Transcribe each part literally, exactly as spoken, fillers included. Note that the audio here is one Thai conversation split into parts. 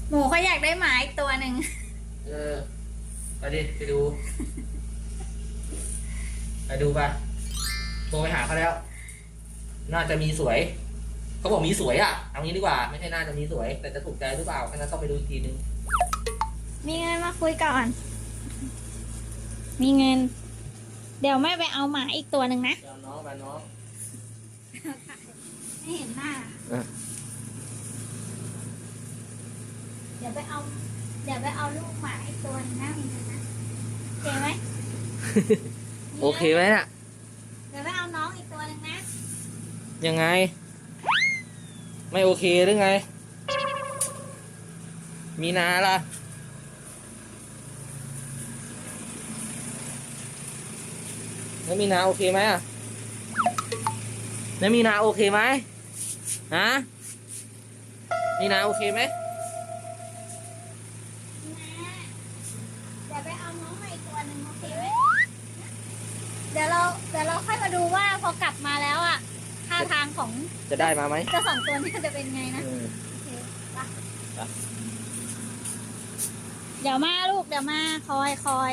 หมูเขาอยากได้หมาอีกตัวหนึ่งเออไปดิไปดูไปดูปะโทรไปหาเขาแล้ว น่าจะมีสวยเขาบอกมีสวยอ่ะเอางี้ดีกว่าไม่ใช่น่าจะมีสวย แต่จะถูกใจหรือเปล่าแค่นั้นต้องไปดูอีกทีนึงมีเงินมาคุยก่อนมีเงินเดี๋ยวแม่ไปเอาหมาอีกตัวหนึ่งนะเอาน้องไปน้องไม่เห็นหน้าเดี๋ยวไปเอาเดี๋ยวไปเอาลูกหมาอีกตัวนึงนะมีเงินนะโอเคไหมโอเคไหมน่ะเดี๋ยวไปเอาน้องอีกตัวนึงนะยังไงไม่โอเคหรือไงมีนาล่ะแล้วมีนาโอเคไหมอ่ะแล้วมีนาโอเคไหมฮะมีนาโอเคไหมเดี๋ยวไปเอาน้องมาอีกตัวหนึ่งโอเคไหมเดี๋ยวเราเดี๋ยวเราค่อยมาดูว่าพอกลับมาแล้วอ่ะท่าทางของจะได้มาไหมจะสองตัวนี้จะเป็นไงนะโอเคไปเดี๋ยวมาลูกเดี๋ยวมาคอยคอย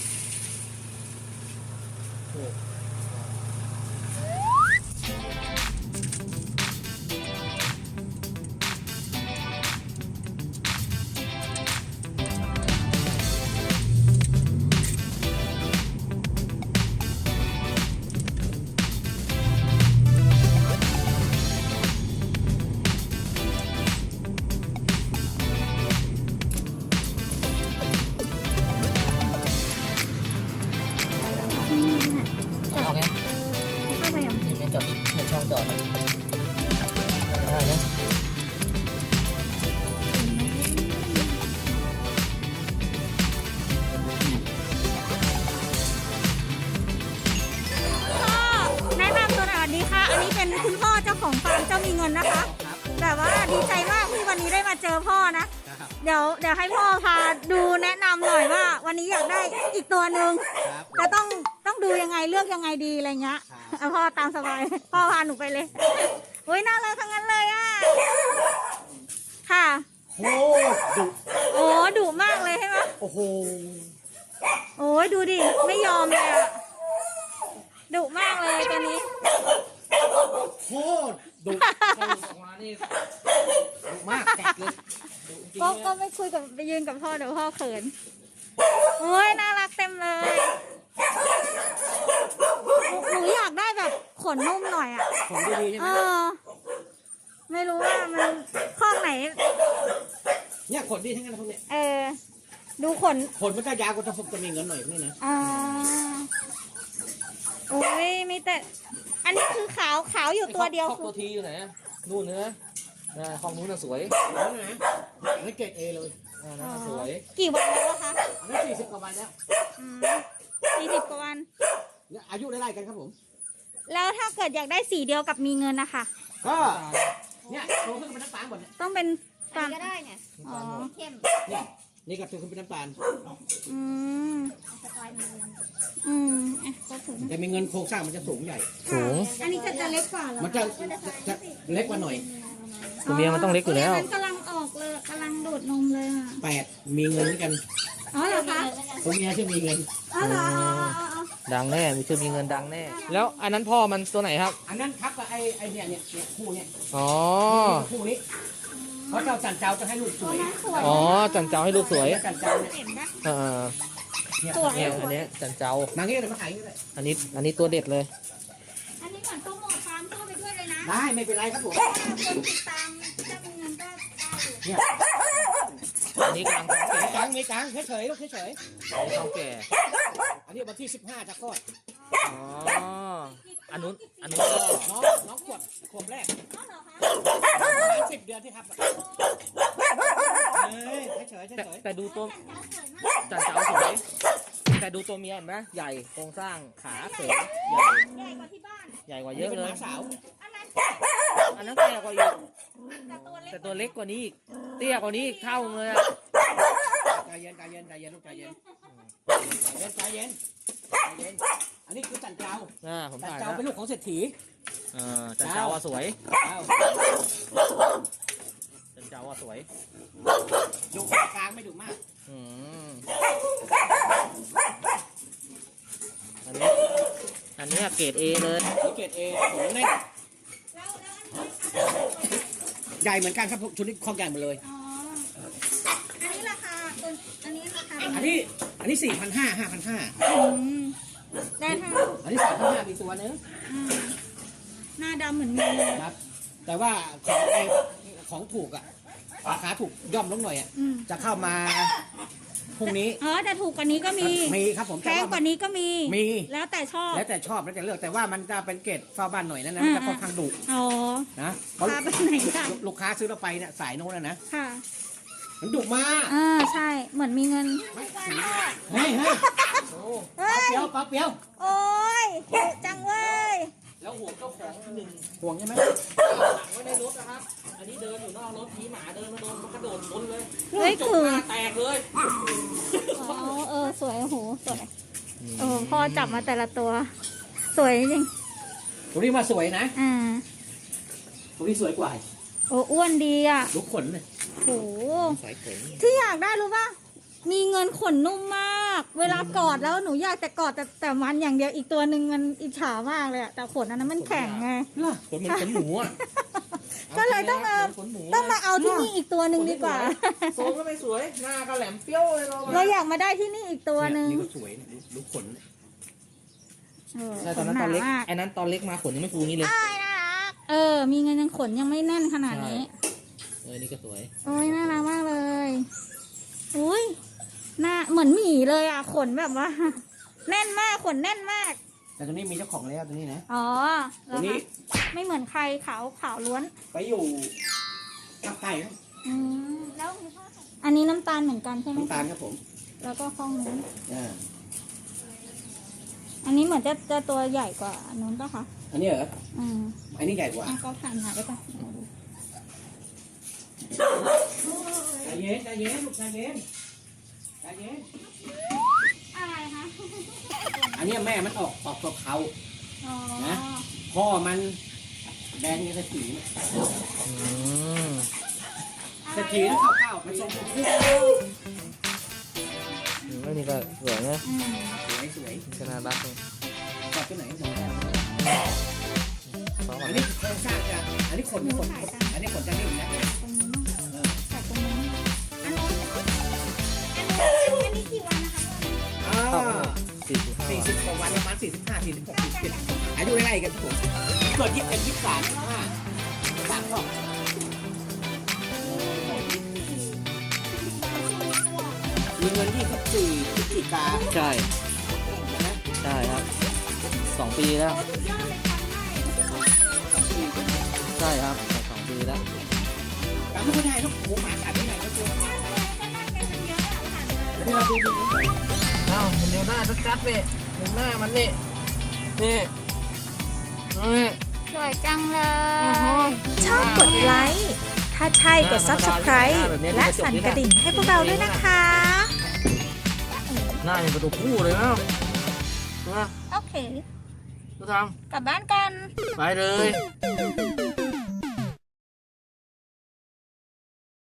เอาไงเข้าไปอย่างนี่จอดเห็นช่องจอดได้นะแนะนำตัวหน่อยสวัสดีค่ะอันนี้เป็นคุณพ่อเจ้าของฟาร์มเจ้ามีเงินนะคะแบบว่าดีใจมากที่วันนี้ได้มาเจอพ่อนะเดี๋ยวเดี๋ยวให้พ่อพาดูแนะนำหน่อยว่าวันนี้อยากได้อีกตัวหนึ่งจะต้องต้องดูยังไงเลือกยังไงดีอะไรเงี้ยเอาพ่อตามสบายพ่อพาหนูไปเลยโอ้ยน่ารักทั้งนั้นเลยอ่ะค่ะโอ้ดุโอ้ดุมากเลยใช่ไหมโอ้โหโอ้ยดูดิไม่ยอมเลยอ่ะดุมากเลยตัวนี้โคตรดุออกมานี่ดุมากกัดเลยก็ก็ไม่คุยกับไปยืนกับพ่อเดี๋ยวพ่อเขินโอ้ยน่ารักเต็มเลยหนูอยากได้แบบขนนุ่มหน่อยอ่ะขนดีๆใช่ไหเอมอไม่รู้ว่ามันข้องไหนเนี่ยขนดีทั้งนั้นพวกเนี้ยเออดูขนขนมันก็ยาวกว่าถ้าผมจะมีเงินหน่อยนี่นะอ่าโอ้ยมีแต่อันนี้คือขาวขาวอยู่ตัวเดียวคือตัวทีอยู่ไหนนู่นเนื้อห้องนู้นน่ะสวยนั่นนะนี่เกรดเอเลยน่าสวยกี่วันแล้วคะอันนี้สี่สิบกว่าวันแล้วสี่สิบกว่าวันอายุไล่ๆกันครับผมแล้วถ้าเกิดอยากได้สีเดียวกับมีเงินนะคะก็เนี่ยโตขึ้นเป็นน้ำตาลหมดเนี่ยต้องเป็นตาลก็ได้เนี่ยอ๋อเข้มเนี่ยนี่ก็โตขึ้นเป็นน้ำตาลอืมสไตล์มีเงินอืมอ่ะก็ถึงแต่มีเงินโครงสร้างมันจะสูงใหญ่สูงอันนี้จะจะเล็กกว่าเหรอมันจะจะเล็กกว่าหน่อยตัวเมียมันต้องเล็กอยู่แล้วมันกำลังออกเลยกำลังโดดนมเลยอ่ะแปดมีเงินด้วยกันอ๋อเหรอคะตัวเมียชื่อมีเงินอ๋อเหรอดังแน่มีชื่อมีเงินดังแน่แล้วอันนั้นพ่อมันตัวไหนครับอันนั้นทับกับไอ้ไอ้เนี่ยเนี่ยคู่เนี่ยอ๋อคู่นี้เพราะเจ้าจันเจ้าจะให้ลูกสวยอ๋อจันเจ้าให้ลูกสวยจันเจ้าเนี่ยเออเนี่ยอันนี้จันเจ้ามาเงี้ยเลยมาขายเลยอันนี้อันนี้ตัวเด็ดเลยอันนี้เหมือนโปรโมทฟาร์มเข้าไปด้วยเลยนะได้ไม่เป็นไรครับผมคนติดตามเจ้ามีเงินก็ได้เนี่ยอันนี้กำลังท้องแก่กลางมีกลางเฉยๆลูกเฉยๆท้องแก่อันนี้วันที่สิบห้าจะคลอดอ๋ออันนู้นอันนู้นน้องน้องขวบขวบแรกสิบเดือนที่ครับเฉยๆแต่ดูตัวจันเจ้าสวยแต่ดูตัวเมียเห็นไหมใหญ่โครงสร้างขาเสริมใหญ่ใหญ่กว่าที่บ้านใหญ่กว่าเยอะเลยสาวอันนั้นแก่กว่าอีกแต่ตัวเล็กกว่านี้อีกเตี้ยกว่านี้อีกเท่าเลยอะใจเย็นใจเย็นใจเย็นลูกใจเย็นใจเย็นใจเย็นใจเย็นอันนี้คือจันเจ้าอ่าผมถ่ายจันเจ้าเป็นลูกของเศรษฐีอ่าจันเจ้าสวยจันเจ้าเราอะสวยดุกลางไม่ดุมากอืมอันนี้อันนี้เกรดเอเลยนี่เกรดเอผมเล่นใหญ่เหมือนกันครับชุดนี้คอกใหญ่หมดเลยอ๋อ อันนี้ราคาตัวอันนี้ราคาอันนี้อันนี้สี่พันห้าห้าพันห้าอืมได้ทั้งอันนี้สามพันห้ามีตัวนึงอืมหน้าดำเหมือนกันเลยครับ แต่ว่าของไอของถูกอะราคาถูกย่อมลงหน่อยอะอืมจะเข้ามาพรุ่งนี้อ๋อแต่ถูกกว่านี้ก็มีมีครับผมแพงกว่านี้ก็มีมีแล้วแต่ชอบแล้วแต่ชอบแล้วแต่เลือกแต่ว่ามันจะเป็นเกรดเฝ้าบ้านหน่อยนั่นนะมันจะค่อนข้างดุอ๋อนะเพราะพาไปไหนกันลูกค้าซื้อเราไปเนี่ยสายโน้นนะนะค่ะมันดุมากอ่าใช่ เหมือนมีเงินเฮ้ยเฮ้ยโอ้เฮ้ปลาย เปียวปลาเปียวโอ้ยดุจังเว้ยแล้วห่วงเจ้าของหนึ่งห่วงใช่ไหมหลังไว้ในรถนะครับ อันนี้เดินอยู่นอกรถผีหมาเดินมาโดนมันกระโดดชนเลยเฮ้ยจคืบอหน้าแตกเลยอ๋อเออสวยโอ้โหสวยเออพ่อจับมาแต่ละตัว สวยจริงตัวนี้มาสวยนะอ่าตัวนี้สวยกว่าโอ้อ้วนดีอ่ะลูกขนเลยโหสายเข็งที่อยากได้รู้ป่ะ มีเงินขนนุ่มมาก เวลากอดแล้วหนูอยากแต่กอดแต่แต่มันอย่างเดียวอีกตัวหนึ่งมันอิจฉามากเลยอะแต่ขนอันนั้นมันแข็งไงขนมันขนหมูอ่ะก็เลยต้องเอาขนหมูต้องมาเอาที่นี่อีกตัวหนึ่งดีกว่าโซมก็ไม่สวย หน้าก็แหลมเปรี้ยวเลยเราเราอยากมาได้ที่นี่อีกตัวหนึ่งนี่ก็สวยเนี่ยลูกขนเนี่ยเออใช่ขตอนนนั้นหตนาอนเล็กมากไอ้นั้นตอนเล็กมาขนยังไม่ฟูงี้เลยเออ มีเงินยังขนยังไม่แน่นขนาดนี้เออ นี่ก็สวยโอ้ยน่ารักมากเลย อุ้ยหน้าเหมือนหมีเลยอ่ะ ขนแบบว่า แน่นมาก ขนแน่นมากแต่ตัวนี้มีเจ้าของแล้วตัวนี้นะอ๋อตัวนี้ไม่เหมือนใครขาวขาวล้วนไปอยู่ภาคใต้ครับอืมแล้วอันนี้น้ำตาลเหมือนกันใช่ไหมน้ำตาลครับผมแล้วก็ข้องนู้นอ่าอันนี้เหมือนจะจะตัวใหญ่กว่าอันนู้นป่ะคะอันนี้เหรออืมอันนี้ใหญ่กว่าอ่ะก็ผ่านหาได้ป่ะใจเย็นใจเย็นลูกใจเย็นใจเย็นอะไรคะอันนี้แม่มันออกออกตัวเขาอ๋อนะ พ่อมันแดงยังสถีอืมสถีแล้วเข้าเข้ามันทรงคู่แล้วนี่ก็สวยนะอืมสวยสวยนี่ก็น่ารักเลยกอดตัวไหนสองซ้อมก่ออันนดินี้โครงสร้างจะอันนี้ขนขนอันนี้ขนจะนิ่มนะตรงนี้มั้งเออใส่ตรงนี้อันนู้นอันนู้นอันนี้กี่วันนะคะอ่าสี่สิบห้าสี่สิบกว่าวันประมาณสี่สิบห้าสี่สิบหกสี่สิบเจ็ดอายุไล่ๆกันครับผมเกิดยี่สิบเอ็ดยี่สิบสามยี่สิบห้าสามรอบมีเงินยี่สิบสี่พฤศจิกาใช่นะใช่ครับ สองปีแล้ว ใช่ครับสองปีแล้วจำไม่ค่อยได้ลูกหมูหมากัดไม่ได้ก็ตัวนี่เราดูดูเอ้ามันเดี๋ยวหน้าชัดๆเลยเดี๋ยวหน้ามันนี่ นี่ นี่สวยจังเลยชอบกดไลค์ ถ้าใช่กด ซับสไครบ์ และสั่นกระดิ่งให้พวกเราด้วยนะคะหน้าเป็นประตูคู่เลยนะนะโอเคทุกทกลับบ้านกันำไปเลย